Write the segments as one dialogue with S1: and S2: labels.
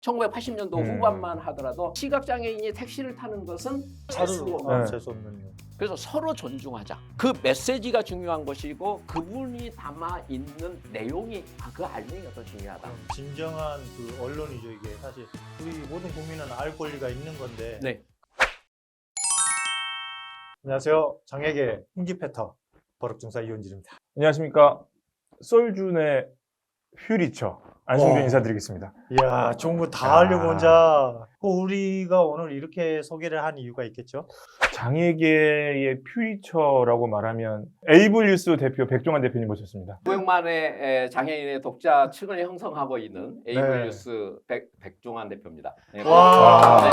S1: 1980년도 후반만 하더라도 시각장애인이 택시를 타는 것은
S2: 재수 없는 일.
S1: 그래서 서로 존중하자. 그 메시지가 중요한 것이고 그분이 담아 있는 내용이 그 알맹이가 더 중요하다.
S2: 진정한 그 언론이죠 이게. 사실 우리 모든 국민은 알 권리가 있는 건데.
S1: 네.
S2: 안녕하세요. 장애계 흰기패터 버럭중사 이현진입니다.
S3: 안녕하십니까. 썰준의 퓨리처 안승준 인사드리겠습니다.
S2: 이야, 좋은 거 다 하려고 혼자. 우리가 오늘 이렇게 소개를 한 이유가 있겠죠?
S3: 장애계의 퓨리처라고 말하면 에이블뉴스 대표 백종환 대표님 모셨습니다.
S1: 900만의 장애인의 독자층을 형성하고 있는 에이블뉴스 백종환 대표입니다. 네.
S2: 와.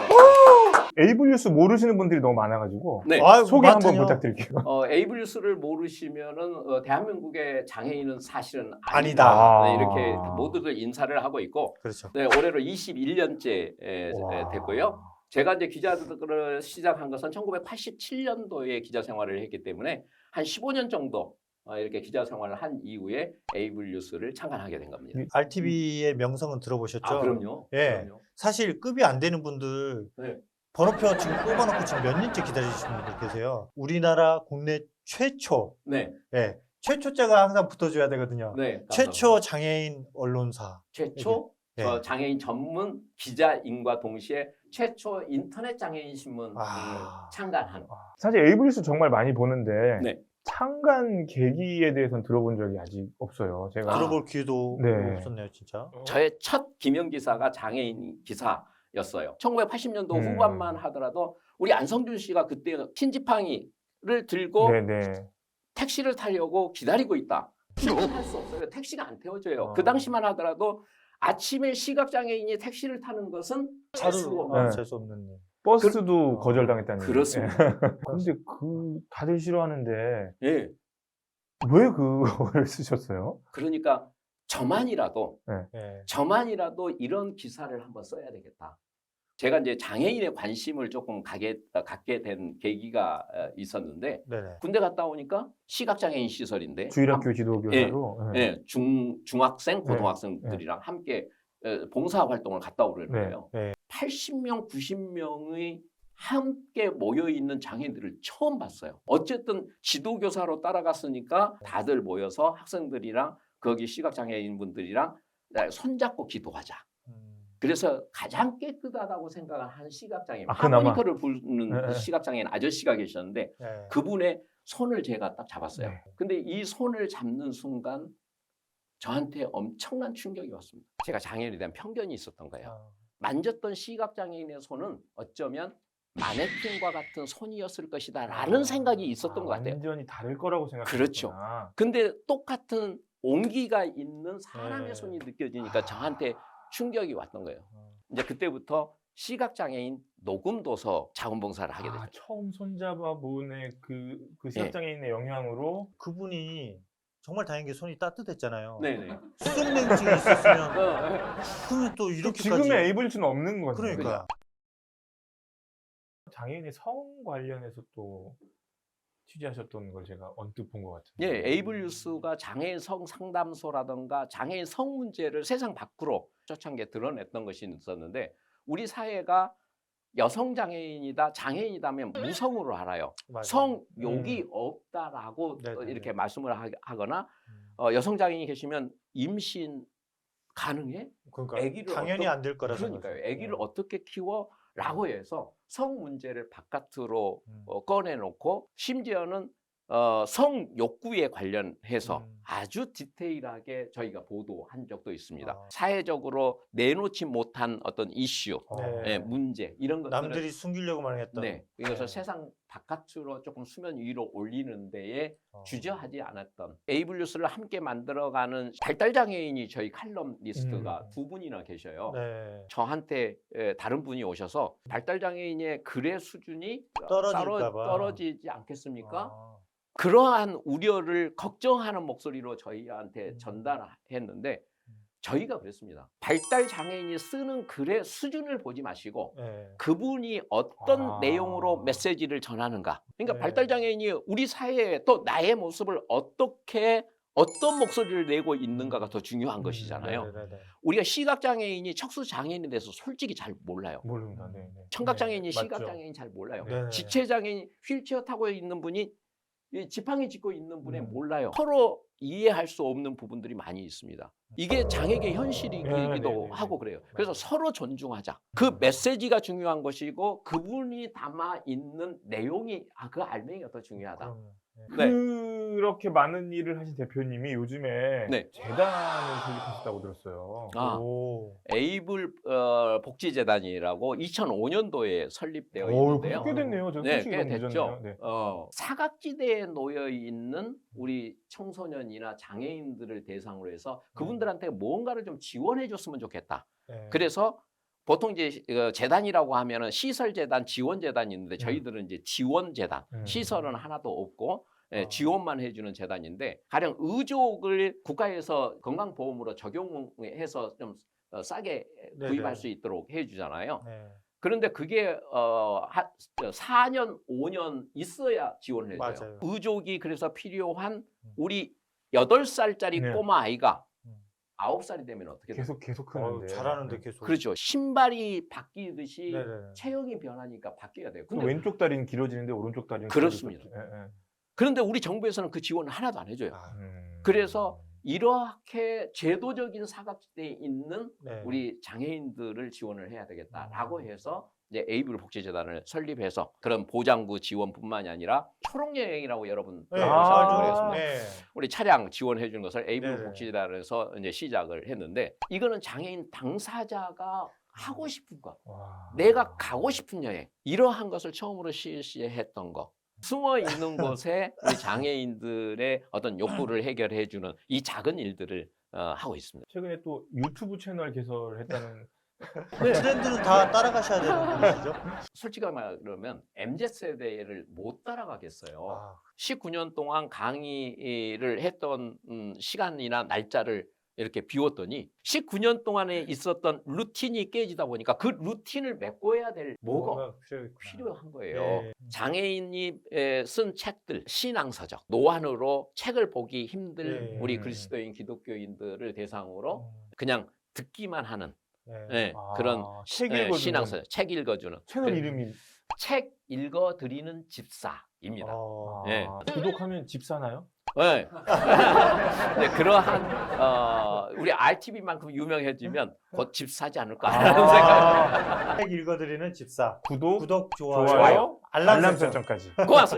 S3: 에이블뉴스 모르시는 분들이 너무 많아가지고
S1: 네.
S2: 아유,
S3: 소개 한번
S2: 많다뇨.
S3: 부탁드릴게요.
S1: 에이블뉴스를 모르시면은 대한민국의 장애인은 사실은
S2: 아니다.
S1: 네, 이렇게 모두들 인사를 하고 있고,
S2: 그렇죠.
S1: 네, 올해로 21년째
S3: 와.
S1: 됐고요. 제가 이제 기자를 시작한 것은 1987년도에 기자 생활을 했기 때문에 한 15년 정도 이렇게 기자 생활을 한 이후에 에이블뉴스를 창간하게 된 겁니다.
S2: RTV의 명성은 들어보셨죠?
S1: 아, 그럼요.
S2: 예.
S1: 그럼요.
S2: 사실 급이 안 되는 분들
S1: 네.
S2: 번호표 지금 뽑아놓고 지금 몇 년째 기다리시는 분들 계세요. 우리나라 국내 최초,
S1: 네.
S2: 예, 최초자가 항상 붙어줘야 되거든요.
S1: 네.
S2: 최초 장애인 언론사.
S1: 최초
S2: 예.
S1: 장애인 전문 기자인과 동시에 최초 인터넷 장애인 신문을
S2: 아.
S1: 창간한.
S3: 사실 에이블뉴스 정말 많이 보는데
S1: 네.
S3: 창간 계기에 대해서는 들어본 적이 아직 없어요. 제가
S2: 들어볼 기회도
S3: 네.
S2: 없었네요, 진짜.
S1: 저의 첫 기명 기사가 장애인 기사였어요. 1980년도 후반만 하더라도 우리 안성준 씨가 그때 흰지팡이를 들고
S3: 네네.
S1: 택시를 타려고 기다리고 있다. 할 수 없어요. 택시가 안 태워져요.
S3: 아.
S1: 그 당시만 하더라도 아침에 시각장애인이 택시를 타는 것은
S3: 네.
S2: 재수 없는 일.
S3: 버스도 거절당했다는
S1: 그렇습니다.
S3: 얘기. 근데 다들 싫어하는데
S1: 예.
S3: 왜 그걸 쓰셨어요?
S1: 그러니까 저만이라도
S2: 예.
S1: 이런 기사를 한번 써야 되겠다. 제가 이제 장애인의 관심을 조금 갖게 된 계기가 있었는데
S2: 네네.
S1: 군대 갔다 오니까 시각장애인 시설인데
S3: 주일학교 지도교사로.
S1: 예, 중학생, 고등학생들이랑 함께 봉사활동을 갔다 오려는
S3: 네.
S1: 거예요.
S2: 네.
S1: 80명, 90명의 함께 모여있는 장애인들을 처음 봤어요. 어쨌든 지도교사로 따라갔으니까 다들 모여서 학생들이랑 거기 시각장애인분들이랑 손잡고 기도하자. 그래서 가장 깨끗하다고 생각한 시각장애인,
S3: 그나마.
S1: 하모니커를 부르는 시각장애인 아저씨가 계셨는데
S2: 네.
S1: 그분의 손을 제가 딱 잡았어요.
S3: 네.
S1: 근데 이 손을 잡는 순간 저한테 엄청난 충격이 왔습니다. 제가 장애인에 대한 편견이 있었던 거예요. 만졌던 시각장애인의 손은 어쩌면 마네킹과 같은 손이었을 것이다 라는 생각이 있었던 것 같아요.
S3: 완전히 다를 거라고 생각했구나.
S1: 그렇죠. 근데 똑같은 온기가 있는 사람의
S2: 네.
S1: 손이 느껴지니까 저한테 충격이 왔던 거예요. 이제 그때부터 시각장애인 녹음도서 자원봉사를 하게 됐죠.
S3: 처음 손잡아본의 그 시각장애인의 영향으로
S2: 그분이 정말 다행인 게 손이 따뜻했잖아요.
S1: 네네.
S2: 수족냉증이 있었으면 그러면 또 이렇게까지.
S3: 지금의 에이블뉴스는 없는 거죠.
S2: 그러니까.
S3: 장애인의 성 관련해서 또 취재하셨던 걸 제가 언뜻 본 것 같은데.
S1: 예, 에이블뉴스가 장애인 성 상담소라든가 장애인 성 문제를 세상 밖으로 초창기에 드러냈던 것이 있었는데 우리 사회가 여성 장애인이다, 장애인이다면 무성으로 알아요.
S2: 맞아요.
S1: 성욕이 없다라고
S2: 네네네.
S1: 이렇게 말씀을 하거나 여성 장애인이 계시면 임신 가능해?
S2: 그러니까
S1: 아기를
S2: 당연히 안 될 거라
S1: 그러니까요.
S2: 생각해요.
S1: 아기를 어떻게 키워? 라고 해서 성 문제를 바깥으로
S2: 음.
S1: 꺼내놓고 심지어는 성 욕구에 관련해서 아주 디테일하게 저희가 보도한 적도 있습니다.
S2: 아.
S1: 사회적으로 내놓지 못한 어떤 이슈,
S2: 네.
S1: 예, 문제 이런 것들을
S2: 남들이 숨기려고만 했던.
S1: 네, 이것을
S2: 네.
S1: 세상 바깥으로 조금 수면 위로 올리는 데에
S2: 어.
S1: 주저하지 않았던 에이블뉴스를 함께 만들어가는 발달장애인이 저희 칼럼니스트가 두 분이나 계셔요.
S2: 네.
S1: 저한테 다른 분이 오셔서 발달장애인의 글의 수준이
S2: 떨어질까 봐.
S1: 떨어지지 않겠습니까?
S2: 아.
S1: 그러한 우려를 걱정하는 목소리로 저희한테
S2: 음.
S1: 전달했는데 저희가 그랬습니다. 발달장애인이 쓰는 글의 수준을 보지 마시고
S2: 네.
S1: 그분이 어떤
S3: 아.
S1: 내용으로 메시지를 전하는가. 그러니까
S2: 네.
S1: 발달장애인이 우리 사회에 또 나의 모습을 어떻게 어떤 목소리를 내고 있는가가 더 중요한 것이잖아요.
S2: 네네네.
S1: 우리가 시각장애인이 척수장애인에 대해서 솔직히 잘 몰라요.
S3: 모릅니다. 네.
S1: 청각장애인이
S2: 네, 맞죠.
S1: 시각장애인 잘 몰라요.
S2: 네네.
S1: 지체장애인 휠체어 타고 있는 분이 이 지팡이 짚고 있는 분에
S2: 음.
S1: 몰라요. 서로 이해할 수 없는 부분들이 많이 있습니다. 이게 장애계 현실이기도
S3: 네.
S1: 하고 그래요. 그래서 서로 존중하자. 그 메시지가 중요한 것이고 그분이 담아 있는 내용이 그 알맹이가 더 중요하다.
S2: 그럼요.
S1: 네.
S3: 그렇게 많은 일을 하신 대표님이 요즘에
S1: 네.
S3: 재단을 설립하셨다고 들었어요.
S1: 아,
S2: 오.
S1: 에이블 복지재단이라고 2005년도에 설립되어 있는데요.
S3: 꽤 됐네요. 저
S1: 네,
S3: 소식이
S1: 꽤
S3: 너무
S1: 됐죠.
S3: 늦었네요. 네.
S1: 사각지대에 놓여 있는 우리 청소년이나 장애인들을 대상으로 해서 그분들한테 뭔가를 좀 지원해 줬으면 좋겠다.
S2: 네.
S1: 그래서 보통 이제 재단이라고 하면은 시설재단, 지원재단이 있는데 저희들은 이제 지원재단, 시설은 하나도 없고 지원만 해주는 재단인데 가령 의족을 국가에서 건강보험으로 적용해서 좀 싸게
S2: 네네.
S1: 구입할 수 있도록 해주잖아요.
S2: 네.
S1: 그런데 그게 4년, 5년 있어야 지원을 해줘요.
S2: 맞아요.
S1: 의족이 그래서 필요한 우리 8살짜리
S3: 네.
S1: 꼬마 아이가
S2: 음.
S1: 9살이 되면 어떻게 돼요?
S3: 계속 크는데.
S2: 잘하는데 계속.
S1: 그렇죠. 신발이 바뀌듯이
S2: 네네.
S1: 체형이 변하니까 바뀌어야 돼요.
S3: 그
S1: 근데
S3: 왼쪽 다리는 길어지는데 오른쪽 다리는
S1: 그렇습니다.
S3: 길어지죠.
S1: 그런데 우리 정부에서는 그 지원을 하나도 안 해줘요.
S2: 아,
S1: 그래서 이렇게 제도적인 사각지대에 있는
S2: 네.
S1: 우리 장애인들을 지원을 해야 되겠다라고 해서 이제 에이블 복지재단을 설립해서 그런 보장구 지원뿐만이 아니라 초록여행이라고 여러분
S2: 네.
S1: 들어보셨을
S3: 아,
S1: 거겠습니다.
S2: 네.
S1: 우리 차량 지원해 주는 것을 에이블
S2: 네네.
S1: 복지재단에서 이제 시작을 했는데 이거는 장애인 당사자가 하고 싶은 것,
S3: 와.
S1: 내가 가고 싶은 여행 이러한 것을 처음으로 실시했던 거. 숨어 있는 곳에 우리 장애인들의 어떤 욕구를 해결해 주는 이 작은 일들을 하고 있습니다.
S3: 최근에 또 유튜브 채널 개설했다는
S2: 트렌드는 다 따라가셔야 되는 분이시죠?
S1: 솔직하게 말하면 MZ세대를 못 따라가겠어요.
S2: 아,
S1: 19년 동안 강의를 했던 시간이나 날짜를 이렇게 비웠더니 19년 동안에 있었던 루틴이 깨지다 보니까 그 루틴을 메꿔야 될 뭐가 필요한 거예요.
S2: 네.
S1: 장애인이 쓴 책들, 신앙서적, 노안으로 책을 보기 힘들
S2: 네.
S1: 우리 그리스도인 기독교인들을 대상으로 그냥 듣기만 하는
S2: 네.
S1: 그런
S3: 책 읽어주는
S1: 신앙서적, 책 읽어주는
S3: 채널
S1: 그
S3: 이름이
S1: 책 읽어드리는 집사입니다. 네.
S3: 구독하면 집 사나요?
S1: 네. 네, 그러한 우리 RTV만큼 유명해지면 곧 집 사지 않을까라는 생각이
S2: 책 읽어드리는 집사.
S3: 구독,
S2: 좋아요,
S3: 좋아요,
S2: 알람 설정.
S3: 설정까지.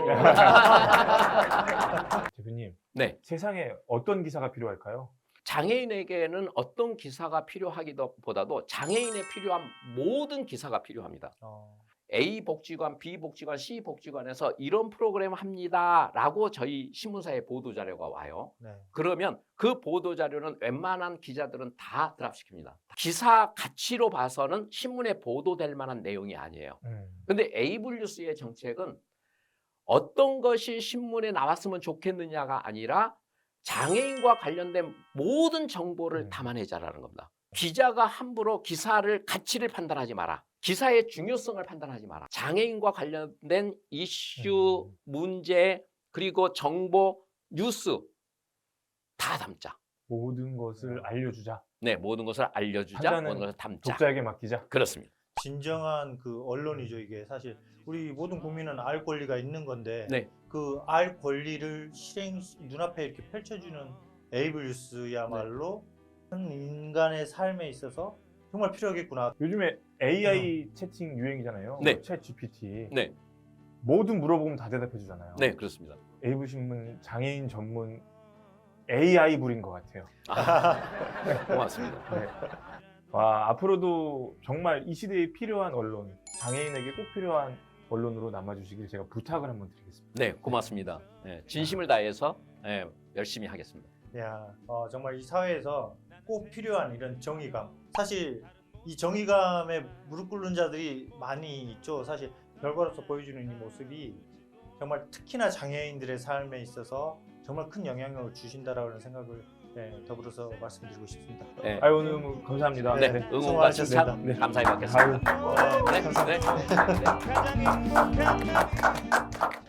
S1: 고맙습니다.
S3: 대표님,
S1: 네,
S3: 세상에 어떤 기사가 필요할까요?
S1: 장애인에게는 어떤 기사가 필요하기보다도 장애인에 필요한 모든 기사가 필요합니다. A 복지관, B 복지관, C 복지관에서 이런 프로그램 합니다라고 저희 신문사에 보도 자료가 와요.
S2: 네.
S1: 그러면 그 보도 자료는 웬만한 기자들은 다 드랍시킵니다. 기사 가치로 봐서는 신문에 보도될 만한 내용이 아니에요. 근데 에이블 뉴스의 정책은 어떤 것이 신문에 나왔으면 좋겠느냐가 아니라 장애인과 관련된 모든 정보를 담아내자라는 겁니다. 기자가 함부로 기사를 가치를 판단하지 마라. 기사의 중요성을 판단하지 마라. 장애인과 관련된 이슈, 문제, 그리고 정보, 뉴스 다 담자.
S3: 모든 것을 알려주자.
S1: 네, 모든 것을 알려주자,
S3: 판단은
S1: 모든 것을 담자.
S3: 독자에게 맡기자.
S1: 그렇습니다.
S2: 진정한 그 언론이죠. 이게 사실 우리 모든 국민은 알 권리가 있는 건데
S1: 네.
S2: 그 알 권리를 눈앞에 이렇게 펼쳐주는 에이블 뉴스야말로 한 인간의 삶에 있어서 정말 필요하겠구나.
S3: 요즘에 AI 채팅 유행이잖아요.
S1: 네.
S3: 챗 GPT.
S1: 네,
S3: 뭐든 물어보면 다 대답해 주잖아요.
S1: 네, 그렇습니다.
S3: 에이블 신문 장애인 전문 AI 불인 것 같아요.
S1: 고맙습니다.
S3: 네. 와, 앞으로도 정말 이 시대에 필요한 언론, 장애인에게 꼭 필요한 언론으로 남아주시길 제가 부탁을 한번 드리겠습니다.
S1: 네, 고맙습니다. 네, 진심을 다해서 열심히 하겠습니다.
S2: 야, 정말 이 사회에서 꼭 필요한 이런 정의감. 사실 이 정의감에 무릎 꿇는 자들이 많이 있죠. 사실 결과로서 보여주는 이 모습이 정말 특히나 장애인들의 삶에 있어서 정말 큰 영향을 주신다라는 생각을 더불어서 말씀드리고 싶습니다.
S1: 네,
S3: 아유, 오늘 너무 감사합니다.
S1: 네,
S3: 네.
S1: 응원과 칭찬
S2: 수고하셨습니다.
S1: 감사히 받겠습니다.
S3: 아유.
S1: 네, 네.